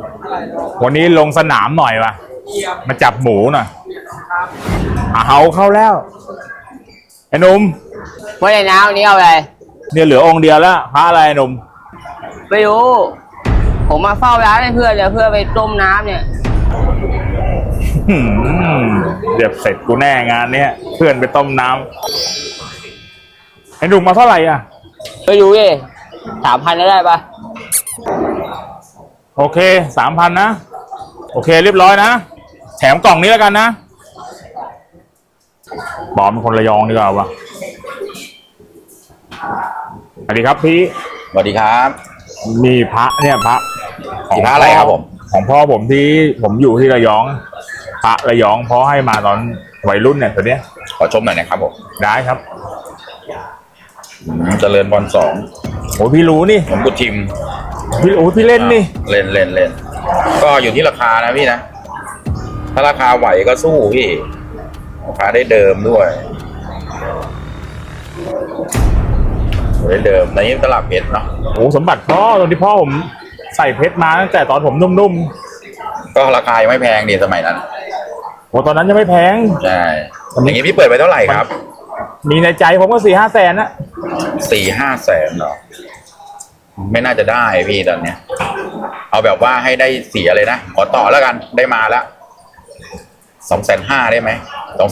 วันนี้ลงสนามหน่อยว่ะมาจับหมูหน่อยเอาเข้าแล้วไอ้หนุ่มไม่ได้น้ำวันนี้เอาอะไรเนี่ยเหลือองค์เดียวแล้วพระอะไรหนุ่มไม่รู้ผมมาเฝ้าร้านให้เพื่อนเพื่อไปต้มน้ำเนี่ยเดี๋ยวเสร็จกูแน่งานเนี้ยเพื่อนไปต้มน้ำไอ้หนุ่มมาเท่าไหร่อ่ะไม่รู้ดิ3,000ได้ปะโอเค3,000นะโอเคเรียบร้อยนะแถมกล่องนี้แล้วกันนะบอมเป็นคนระยองดีกว่าวะสวัสดีครับพี่สวัสดีครับมีพระเนี่ยพระของพระอะไรครับผมของพ่อผมที่ผมอยู่ที่ระยองพระระยองพ่อให้มาตอนวัยรุ่นเนี่ยตัวเนี้ยขอชมหน่อยนะครับผมได้ครับเจริญบอล2 โอ้พี่รู้นี่ผมกุทิมพี่เล่นนี่เล่นก็อยู่ที่ราคานะพี่นะถ้าราคาไหวก็สู้พี่ราคาได้เดิมด้วยได้เดิมในนี้ตลาดเพชรเนาะโอ้สมบัติพ่อตอนที่พ่อผมใส่เพชรมาตั้งแต่ตอนผมนุ่มๆก็ราคายังไม่แพงดีสมัยนั้นโอ้ตอนนั้นยังไม่แพงใช่อย่างนี้พี่เปิดไปเท่าไหร่ครับมีในใจผมก็4-5 แสนนะ 4-5 แสนเหรอไม่น่าจะได้พี่ตอนเนี้ยเอาแบบว่าให้ได้เสียเลยนะขอต่อแล้วกันได้มาแล้ว250,000ได้ไหม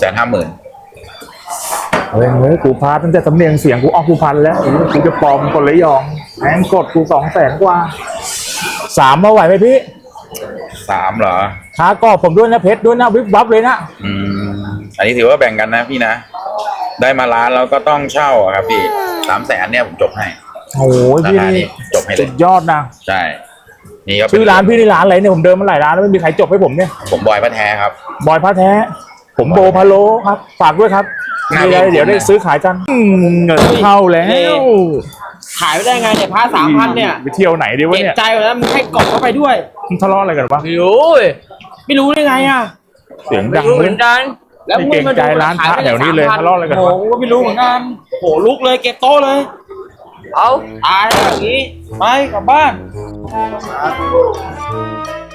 250,000 เฮ้ยกูพาตั้งแต่สำเนียงเสียงกูออกกูพันแล้วกูจะปลอมคนระยองแม่งกดกู200,000 กว่า3มาไหวไหมพี่ 3เหรอค้ากอบผมด้วยนะเพชรด้วยนะวิบวับเลยนะอันนี้ถือว่าแบ่งกันนะพี่นะได้มาร้านแล้วก็ต้องเช่าครับพี่300,000เนี่ยผมจบให้โอ้ยพี่นี่จบให้เลยสุดยอดนะใช่นี่ก็ชื่อร้านพี่นี่ร้านอะไรเนี่ยผมเดินมาหลายร้านแล้วไม่มีใครจบให้ผมเนี่ยผมบอยพระแท้ครับบอยพระแท้ผมโบพะโล้ครับฝากด้วยครับมีอะไรเดี๋ยวได้ซื้อขายกันเงินเข้าแล้วขายไม่ได้ไงเนี่ยผ้า3,000เนี่ยไปเที่ยวไหนดีวะเนี่ยใจแล้วมึงให้กล่องเข้าไปด้วยมึงทะเลาะอะไรกันวะไม่รู้ได้ไงอ่ะเสียงดังเหมือนกันแล้วมึงมาดูร้านพระแถวนี้เลยทะเลาะอะไรกันวะโอ้ก็ไม่รู้เหมือนกันโหลุกเลยเก็บโต๊ะเลยเอาตายอย่างนี้ไปกลับบ้าน